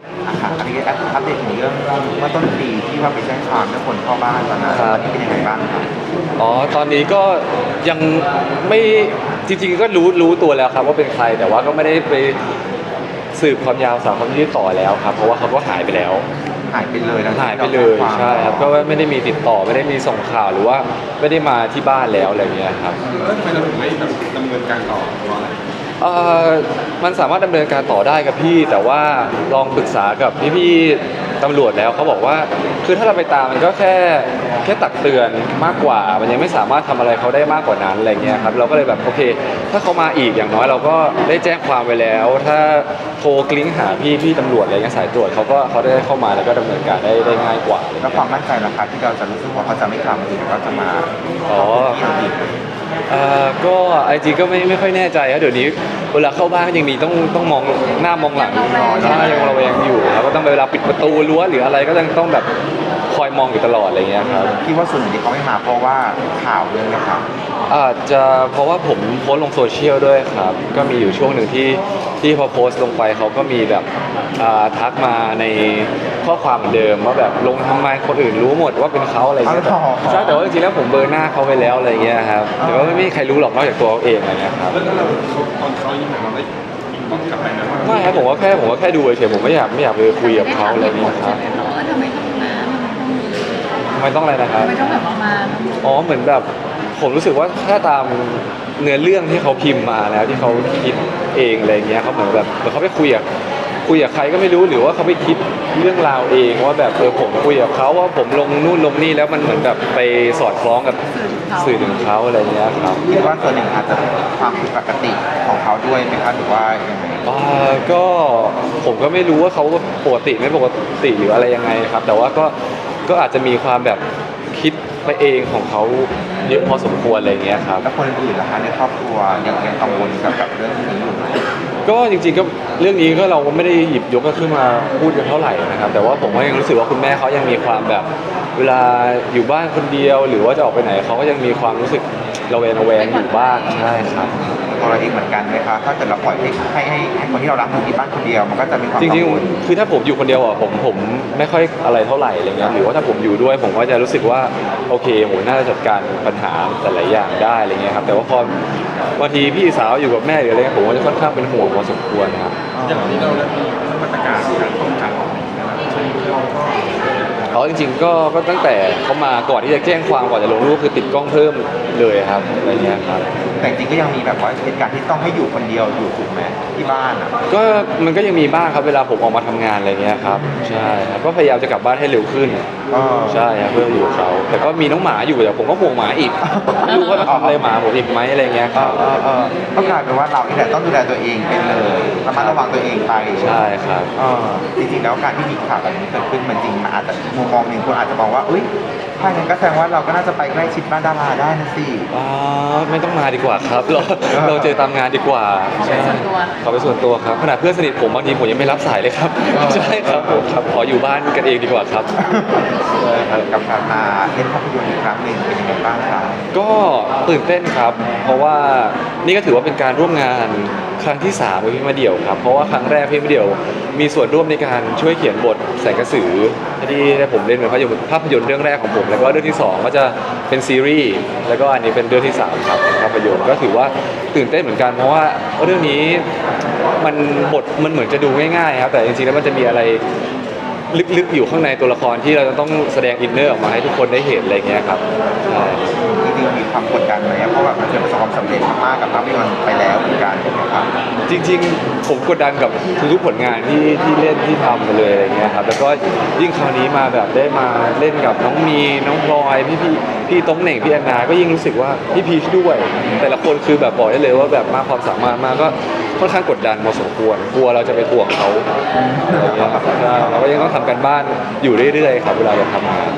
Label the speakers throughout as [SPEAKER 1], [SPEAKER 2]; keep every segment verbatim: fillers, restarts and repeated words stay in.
[SPEAKER 1] อ่ะค่ะอันนี้อัปเดตถึงเรื่องเมื่อต้นปีที่ว่าไปแจ้งความเรื่องคนเข้าบ้านตอนนั้นตอนนี้เป็นยังไงบ้างครับ
[SPEAKER 2] อ๋อตอนนี้ก็ยังไม่จริงๆก็รู้รู้ตัวแล้วครับว่าเป็นใครแต่ว่าก็ไม่ได้ไปสืบความยาวสาวความยืดต่อแล้วครับเพราะว่าเขาก็หายไปแล้ว
[SPEAKER 1] หายไปเลยแล้ว
[SPEAKER 2] หายไปเลยใช่ครับก็ไม่ได้มีติดต่อไม่ได้มีส่งข่าวหรือว่าไม่ได้มาที่บ้านแล้วอะไรเงี้ยครับ
[SPEAKER 3] แล้วทำไมเราถึงไม่แบบดำเนินการต่อเพราะอะไร
[SPEAKER 2] เอ่อมันสามารถดำเนินการต่อได้ครับพี่แต่ว่าลองปรึกษากับพี่ๆตำรวจแล้วเขาบอกว่าคือถ้าเราไปตามมันก็แค่แค่ตักเตือนมากกว่ามันยังไม่สามารถทำอะไรเขาได้มากกว่านั้นอะไรเงี้ยครับเราก็เลยแบบโอเคถ้าเขามาอีกอย่างน้อยเราก็ได้แจ้งความไว้แล้ว ถ้าโทรกลิ้งหาพี่พี่ตำรวจอะไรเงี้ยสายตรวจเขาก็เขาได้เข้ามาแล้วก็ดำเนินการได้ได้ง่ายกว่า
[SPEAKER 1] แล้วความมั่นใจราคาที่เราจะรู้สึกว่าเขาจะไม่ทำอีกเขาจะมา
[SPEAKER 2] อ๋อเอ่อก็ไอจีก็ไม่ไม่ค่อยแน่ใจครับเดี๋ยวนี้เวลาเข้าบ้านก็ยังมีต้องต้องมองหน้ามองหลังใช่ยังระแวงอยู่ครับก็ต้องเวลาปิดประตูรั้วหรืออะไรก็ยังต้องแบบคอยมองอยู่ตลอดอะไรเงี้ยครับ
[SPEAKER 1] คิดว่าส่วนหนึ่งที่เขาไม่มาเพราะว่าข่าวเรื่องนี้ครับ
[SPEAKER 2] อาจจะเพราะว่าผมโพสต์ลงโซเชียลด้วยครับก็มีอยู่ช่วงหนึ่งที่ที่พอโพสต์ลงไปเขาก็มีแบบทักมาในข้อความเหมือนเดิมว่าแบบลงทำไมคนอื่นรู้หมดว่าเป็นเขาอะไรเงี้ยใช่แต่ว่าจริงๆแล้วผมเบอร์หน้าเขาไปแล้วอะไรเงี้ยครับแต่ว่าไม่มีใครรู้หรอกนอกจากตัวเขาเองอะไรเงี้ยครับ
[SPEAKER 3] แล้วเราตอนเขายิ้มเราได้บอกกลับไปนะว่า
[SPEAKER 2] ไม่ครับผมว่าแค่ผมว่าแค่ดูเฉยๆผมไม่อยากไม่อยากไปคุยกับเขาอะไรเงี้ยครับ
[SPEAKER 4] ทำไมต้องมา
[SPEAKER 2] ทำไมต้องอะไรนะครับ
[SPEAKER 4] ทำไมต้องแบบมา
[SPEAKER 2] อ๋อเหมือนแบบผมรู้สึกว่าถ้าตามเนื้อเรื่องที่เขาพิมพ์มาแล้วที่เขาคิดเองอะไรเงี้ยเขาเหมือนแบบเหมือนเขาไปคุยกับคุยกับใครก็ไม่รู้หรือว่าเขาไปคิดเรื่องราวเองว่าแบบเออผมคุยกับเขาว่าผมลงนู่นลงนี่แล้วมันเหมือนแบบไปสอดคล้องกับสื่อถึงเขาอะไรเงี้ยครับ
[SPEAKER 1] คิดว่าตัวหนึ่งอาจจะความผิดปกติของเขาด้วยไหมครับหรือว่ายังไง
[SPEAKER 2] อ่าก็ผมก็ไม่รู้ว่าเขาปกติไม่ปกติหรืออะไรยังไงครับแต่ว่าก็ก็อาจจะมีความแบบคิดไปเองของเขาเยอะพอสมควรอะไรเงี้ยครับ
[SPEAKER 1] แล้วคนอื่นล่ะคะในครอบครัวยังยังกังวลกับกับเรื่องนี้อยู่ไหม
[SPEAKER 2] ก็จริงๆก็เรื่องนี้ก็เราไม่ได้หยิบยกขึ้นมาพูดกันเท่าไหร่นะครับแต่ว่าผมก็ยังรู้สึกว่าคุณแม่เขายังมีความแบบเวลาอยู่บ้านคนเดียวหรือว่าจะออกไปไหนเขาก็ยังมีความรู้สึกระแวงระแวงอยู่บ้างใช่ครับ
[SPEAKER 1] ตัวเราเองเหมือนกันไหมคะถ้าเกิดเราปล่อยให้ให้ให้ให้คนที่เรารักอยู่ที่บ้านคนเดียวมันก็จะมีความ
[SPEAKER 2] จริงๆคือถ้าผมอยู่คนเดียวอ่ะผมผมไม่ค่อยอะไรเท่าไหร่อะไรเงี้ยหรือว่าถ้าผมอยู่ด้วยผมก็จะรู้สึกว่าโอเคผมน่าจะจัดการปัญหาหลายๆอย่างได้อะไรเงี้ยครับแต่ว่าพอบางทีพี่สาวอยู่กับแม่หรืออะไรเงี้ยผมก็จะค่อนข้างเป็นห่วงพอสมควรครับ
[SPEAKER 3] อย่างที่เราได้มีมาตรการการป้องกันเราก็
[SPEAKER 2] เขาจริงๆก็ก็ตั้งแต่เขามาก่อนที่จะแจ้งความก่อนจะลงรูปคือติดกล้องเพิ่มเลยครับอะไรเงี้ยครับ
[SPEAKER 1] แต่จริงก็ยังมีแบบว่าเหตุการณ์ที่ต้องให้อยู่คนเดียวอยู่ถูกไหมที่บ้านอ่ะ
[SPEAKER 2] ก็มันก็ยังมีบ้างครับเวลาผมออกมาทำงานอะไรเงี้ยครับใช่ครับก็พยายามจะกลับบ้านให้เร็วขึ้นใช่ครับเพื่ออยู่กับเขาแต่ก็มีน้องหมาอยู่แต่ผมก็ห่วงหมาอีกไม่รู้ว่าทำอะไรหมาผมอีกไหมอะไรเงี้ยครับ
[SPEAKER 1] ก็กลายเป็นว่าเราที่แหละต้องดูแลตัวเองเป็นเลยระมัดระวังตัวเองไป
[SPEAKER 2] ใช่ครับ
[SPEAKER 1] จริงๆแล้วการที่มีข่าวแบบนี้เกิดขึ้นมันจริงนะแต่มุมมองหนึ่งคนอาจจะมองว่าอุ้ยถ้าอย่างนั้นก็แสดงว่าเราก็น่าจะไปใกล้ชิดบ้านดาราได้นะสิ
[SPEAKER 2] อ๋อไม่ต้องมาดีกว่าครับเราเราเจอตามงานดีกว่า
[SPEAKER 4] ใช่
[SPEAKER 2] ขอไปส่วนตัวครับขนาดเพื่อนสนิทผมบางทีผมยังไม่รับสายเลยครับใช่ครับผมครับขออยู่บ้านกันเองดีกว่าครับ
[SPEAKER 1] กับการมาเล่นภาพยนตร์อีกครั้งหนึ่งเป็นยังไงบ้างครับ
[SPEAKER 2] ก็ตื่นเต้นครับเพราะว่านี่ก็ถือว่าเป็นการร่วมงานครั้งที่สามกับพี่มาเดี่ยวครับเพราะว่าครั้งแรกพี่มาเดี่ยวมีส่วนร่วมในการช่วยเขียนบทแสงกระสือที่ผมเล่นเป็นภาพยนตร์ภาพยนตร์เรื่องแรกของผมแล้วก็เรื่องที่สองก็จะเป็นซีรีส์แล้วก็อันนี้เป็นเรื่องที่สามครับภาพยนตร์ก็ถือว่าตื่นเต้นเหมือนกันเพราะว่าเรื่องนี้มันบทมันเหมือนจะดูง่ายๆครับแต่จริงๆแล้วมันจะมีอะไรลึกๆอยู่ข้างในตัวละครที่เราจะต้องแสดงอินเนอร์ออกมาให้ทุกคนได้เห็นอะไรเงี้ยครับใช่
[SPEAKER 1] จริงๆมีความกดดันไหมเพราะแบบมันเคยประสบความสำเร็จมากๆกับภาพยนตร์ไปแล้วเหมือนกันครับ
[SPEAKER 2] จริงๆผมกดดันกับทุกๆผลงานที่ที่เล่นที่ทำไปเลยอะไรเงี้ยครับแล้วก็ยิ่งคราวนี้มาแบบได้มาเล่นกับน้องมีน้องพลอยพี่พี่พี่ต้งเหน่งพี่แอนนาก็ยิ่งรู้สึกว่าพี่พีชด้วยแต่ละคนคือแบบบอกได้เลยว่าแบบมากความสามารถมากก็ค่อนข้างกดดันพอสมควรกลัวเราจะไปถ่วงเขาอะไรเงี้ยครับเราก็ยังต้องทำกันบ้านอยู่เรื่อยๆครับเวลาเราทำงาน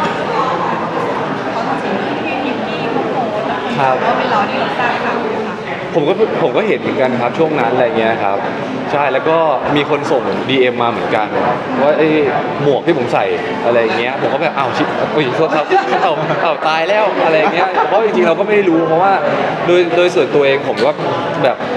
[SPEAKER 2] ครับ
[SPEAKER 4] ว่าเป็นเราที่เราสร้างข่าว
[SPEAKER 2] ผมก็ผมก็เห็นเหมือนกันครับช่วงนั้นอะไรเงี้ยครับใช่แล้วก็มีคนส่ง ดี เอ็ม มาเหมือนกันว่าไอ้หมวกที่ผมใส่อะไรเงี้ยผมก็แบบอ้าวชิบโอ้ยโทษครับอ้าวอ้าวตายแล้วอะไรเงี้ยเพราะจริงๆเราก็ไม่ได้รู้เพราะว่าโดยโดยส่วนตัวเองผมก็แบบ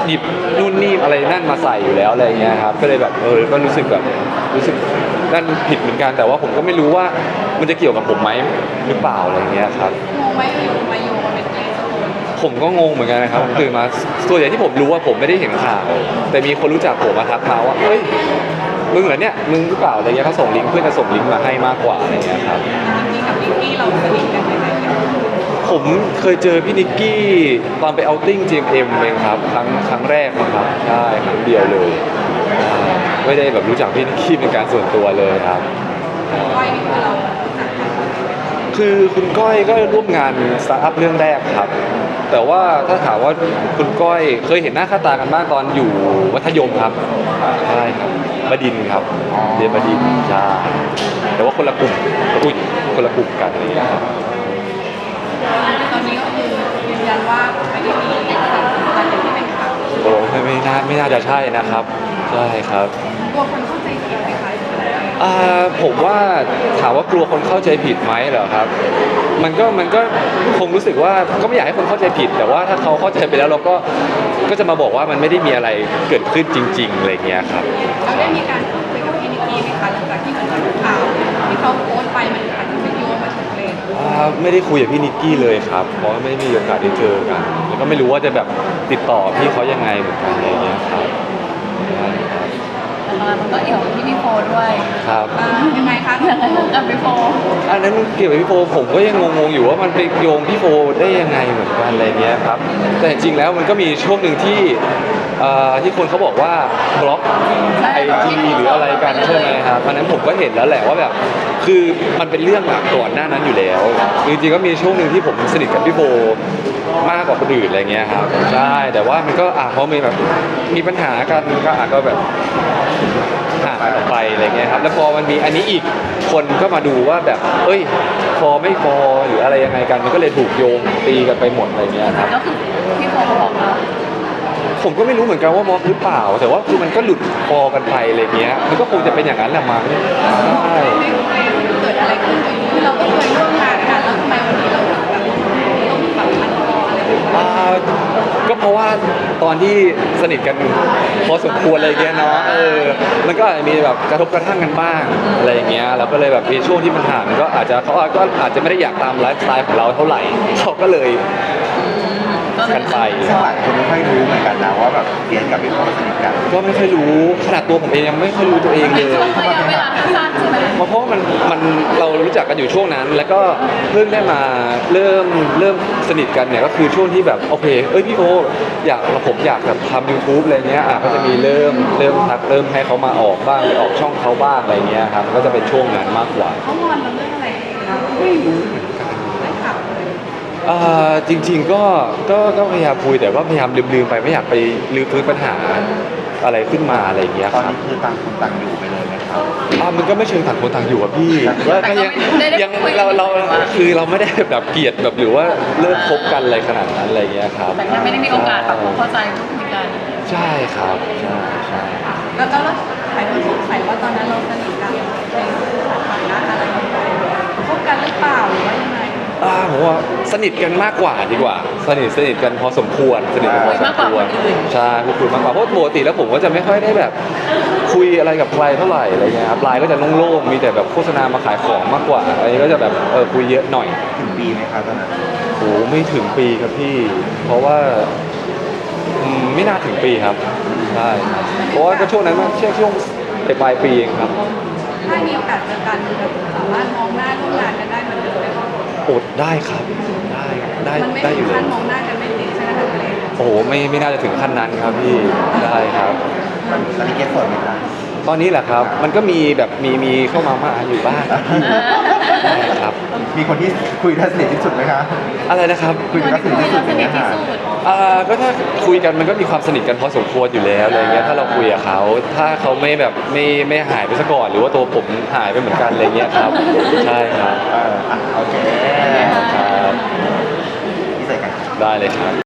[SPEAKER 2] หยิบนู่นนี่อะไรนั่นมาใส่อยู่แล้วอะไรเงี้ยครับก็เลยแบบเออก็รู้สึกแบบรู้สึกนั่นผิดเหมือนกันแต่ว่าผมก็ไม่รู้ว่ามันจะเกี่ยวกับผมไหมหรือเปล่าอะไรเงี้ยครับ
[SPEAKER 4] งงไหมอยู่มาโยงเป็นเกย์สมุน
[SPEAKER 2] ผมก็งงเหมือนกันนะครับผมตื่นมาส่วนใหญ่ที่ผมรู้ว่าผมไม่ได้เห็นข่าวแต่มีคนรู้จักผมมาทักมาว่าเฮ้ยมึงเหรอเนี่ยมึงหรือเปล่าอะไรเงี้ยเขาส่งลิงก์เพื่อนจะส่งลิงก์มาให้มากกว่าอะไรเงี้ยครับ
[SPEAKER 4] จริงๆกับนิกกี้เราสนิทกันยังไงกัน
[SPEAKER 2] ผมเคยเจอพี่นิกกี้ตอนไปเอาท์ติ้ง จี เอ็ม เอ็ม เองครับครั้งครั้งแรกนะครับใช่ครั้งเดียวเลยใช่ไม่ได้แบบรู้จักพี่นิกกี้เป็นการส่วนตัวเลยครับ
[SPEAKER 4] ก้อยนี่คือเรารู้จักกัน
[SPEAKER 2] คือคุณก้อยก็ร่วมงานสตาร์ทอัพเรื่องแรกครับ แต่ว่าถ้าถามว่าคุณก้อยเคยเห็นหน้าค่าตากันบ้างตอนอยู่มัธยมครับใช่ครับบดินทร์ครับเรียนบดินทร์ใช่แต่ว่าคนละกลุ่มอุ้ยคนละกลุ่มกันอะไรอย่างเงี้ยครับ
[SPEAKER 4] ตอนนี้ก็คือยืนยันว่าไม่ได้มีความสัมพันธ์อย่างที่เป็นข่าว
[SPEAKER 2] โอ้ไม่ไม่น่าไม่น่าจะใช่นะครับใช่ครับ
[SPEAKER 4] กลัวคนเข้าใจผิดไหมคะ
[SPEAKER 2] อ่าผมว่าถามว่ากลัวคนเข้าใจผิดไหมเหรอครับ มันก็มันก็คงรู้สึกว่าก็ไม่อยากให้คนเข้าใจผิด แต่ว่าถ้าเขาเข้าใจไปแล้วเราก็ก็จะมาบอกว่ามันไม่ได้มีอะไรเกิดขึ้นจริงๆอะไรเงี้ยครับ
[SPEAKER 4] เราได้มีการพูดคุยกับพี่นิกกี้ไหมคะหลังจากที่เหมือนกับข่าวที่เขาโพสต์ไปมันอาจจะเป็นโยงมาถึงเลย
[SPEAKER 2] อ่าไม่ได้คุยกับพี่นิกกี้เลยครับ เพราะว่าไม่ได้มีโอกาสได้เจอกัน แล้วก็ไม่รู้ว่าจะแบบติดต่อพี่เขายังไงเหมือนกันอะไรเงี้ยครับใช่ครับ
[SPEAKER 5] ตอนนั้นมันก็เอี่ยวกับพี่พี่โฟด้วย
[SPEAKER 2] ครับ
[SPEAKER 4] อ่ายังไงคะ
[SPEAKER 5] ยังไงกับพี่โฟ
[SPEAKER 2] อันนั้นเกี่ยวกับพี่โฟผมก็ยังงงๆอยู่ว่ามันไปโยงพี่โฟได้ยังไงเหมือนกันอะไรเงี้ยครับ แต่จริงๆแล้วมันก็มีช่วงหนึ่งที่เอ่อที่คนเขาบอกว่าบล็อกไอจีหรืออะไรกันใช่ไหมครับอันนั้นผมก็เห็นแล้วแหละว่าแบบคือมันเป็นเรื่องอะก่อนหน้านั้นอยู่แล้วจริงๆก็มีช่วงหนึ่งที่ผมสนิทกับพี่โฟมากกว่าคนอื่นอะไรเงี้ยครับใช่แต่ว่ามันก็อ่ะพอมีแบบมีปัญหากันก็อาจก็แบบห่างกันออกไปอะไรเงี้ยครับแล้วพอมันมีอันนี้อีกคนก็มาดูว่าแบบเอ้ยฟอไม่ฟอหรืออะไรยังไงกันมันก็เลยถูกโยงตีกันไปหมดอะไรเงี้ยครับ
[SPEAKER 5] ก็คือพี่โฟเขาบอกเรา
[SPEAKER 2] ผมก็ไม่รู้เหมือนกันว่ามอสหรือเปล่า แต่ว่าคือมันก็หลุดฟอกันไปอะไรเงี้ยมันก็คงจะเป็นอย่างนั้นแหละมั้งใช่
[SPEAKER 4] ไม่รู้เลยเกิดอะไรขึ้นคือเราก็เคยร่วมงานกันแล้วทำไมวันนี้เราถึงแบบต้องแบบพันคออะไรแบบนี้
[SPEAKER 2] อ่าก็เพราะว่าตอนที่สนิทกันพอสมควรอะไรเงี้ยเนาะเออมันก็อาจจะมีแบบกระทบกระทั่งกันบ้างอะไรอย่างเงี้ยเราก็เลยแบบมีช่วงที่มันห่างก็อาจจะเขาก็อาจจะไม่ได้อยากตามไลฟ์สไตล์ของเราเท่าไหร่เขาก็เลย
[SPEAKER 5] ก็เล
[SPEAKER 2] กั
[SPEAKER 5] ย
[SPEAKER 2] นไป
[SPEAKER 1] ซึ่งหลายคนไม่ค่อยรู้เหมือนกันนะว่าแบบเพียนกับพี่โฟสนิทกัน
[SPEAKER 2] ก็ไม่ค่อยรู้ขนาดตัวผมเองยังไม่ค่อยรู้ตัวเองเล
[SPEAKER 5] เป็น
[SPEAKER 2] ย
[SPEAKER 5] ช่วงระยะเวลาสั้นๆใช่ไหม
[SPEAKER 2] เพราะว่ามันมันเรารู้จักกันอยู่ช่วงนั้น แล้วก็เพิ่งได้มาเริ่มเริ่มสนิทกันเนี่ยก็คือช่วงที่แบบโอเคเอ้ยพี่โออยากผมอยากแบบทำ YouTube อะไรเงี้ยอ่ะก็จะมีเริ่มเริ่มทักเริ่มให้เขามาออกบ้างไปออกช่องเขาบ้างอะไรเงี้ยครับก็จะเป็นช่วงนั้นมากกว่า
[SPEAKER 4] เขางอนเราเรื่องอะไรเราไม่รู้ไม่ข่าวเลย
[SPEAKER 2] อ่าจริง ๆก็ก็ก็พยายามคุยแต่ก็พยายามลืมๆไปไม่อยากไปลืมฟื้นปัญหาอะไรขึ้นมาอะไรเงี้ย
[SPEAKER 1] ตอน
[SPEAKER 2] ครับ
[SPEAKER 1] นี้คือต่างคนต่างอยู่ไปเลยไหมครับ
[SPEAKER 2] อ่ามันก็ไม่เชิงต่างคนต่างอยู่อะพี่ก็ก็ยังยังเราเราคือเราไม่ได้แบบเกลียดแบบหรือว่าเลิกคบกันอะไรขนาดนั้นอะไรเงี้ยครับ
[SPEAKER 5] แต่แค่ไม่ได้มีโอกาสปรับความเข้าใจพูดคุยกัน
[SPEAKER 2] ใช่ครับใช่ใช่
[SPEAKER 4] แล้วก็เราหลายคนสงสัยว่าตอนนั้นเราสนิทกันในสถานะอะไรคบกันหรือเปล่าหรือว่ายังไง
[SPEAKER 2] อ่าผมว่าสนิทกันมากกว่าดีกว่า สนิทสนิทกันพอสมควรสนิทกันพอสมควรใช่พูดคุยมากกว่าเพราะปกติแล้วผมก็จะไม่ค่อยได้แบบคุยอะไรกับใครเท่าไหร่อะไรเงี้ยครับไลน์ก็จะโล่งๆมีแต่แบบโฆษณามาขายของมากกว่าอันนี้ก็จะแบบเออคุยเยอะหน่อย
[SPEAKER 1] ถึงปีไหมครับตอนนั้น
[SPEAKER 2] โอ้ไม่ถึงปีครับพี่ เพราะว่าอืมไม่น่าถึงปีครับใช่ครับเพราะว่าก็ช่วงนั้นมันช่วงช่วงปลายปีเองครับ
[SPEAKER 4] ถ้ามีโอกาสเจอกันสามารถมองหน้าร่วมงานกันได้เหมือนเดิมไหมคะ
[SPEAKER 2] โอดได้ครับได้ได้
[SPEAKER 4] มันไม่
[SPEAKER 2] ได้อ
[SPEAKER 4] ถึง
[SPEAKER 2] ยู่เล
[SPEAKER 4] ขั้
[SPEAKER 2] ย
[SPEAKER 4] นมองหน้ากันไม่ติดใช่ไหมคะเกรซ
[SPEAKER 2] โอ้โหไม่ไม่น่าจะถึงขั้นนั้นครับพี่ได้ครับ
[SPEAKER 1] ตอนนี้เกสโสดไหมครับ
[SPEAKER 2] ตอนนี้แหละครับ มันก็มีแบบมีมีเข้ามามาอยู่บ้างครับพี่ได้ครับ
[SPEAKER 1] มีคนที่คุยได้สนิทที่สุดไหมคะ
[SPEAKER 2] อะไรนะครับ
[SPEAKER 1] คุยได้สนิทที่สุดอย่างเงี้ยค่ะ
[SPEAKER 2] อ่าก็ถ้าคุยกันมันก็มีความสนิทกันพอสมควรอยู่แล้วอะไรเงี้ยถ้าเราคุยกับเขาถ้าเขาไม่แบบไม่ไม่หายไปซะก่อนหรือว่าตัวผมหายไปเหมือนกันอะไรเงี้ยครับใช่ครับ
[SPEAKER 1] เอออ่ะโอเค
[SPEAKER 2] ครับ
[SPEAKER 1] ที่ใส่กัน
[SPEAKER 2] ได้เลยครับ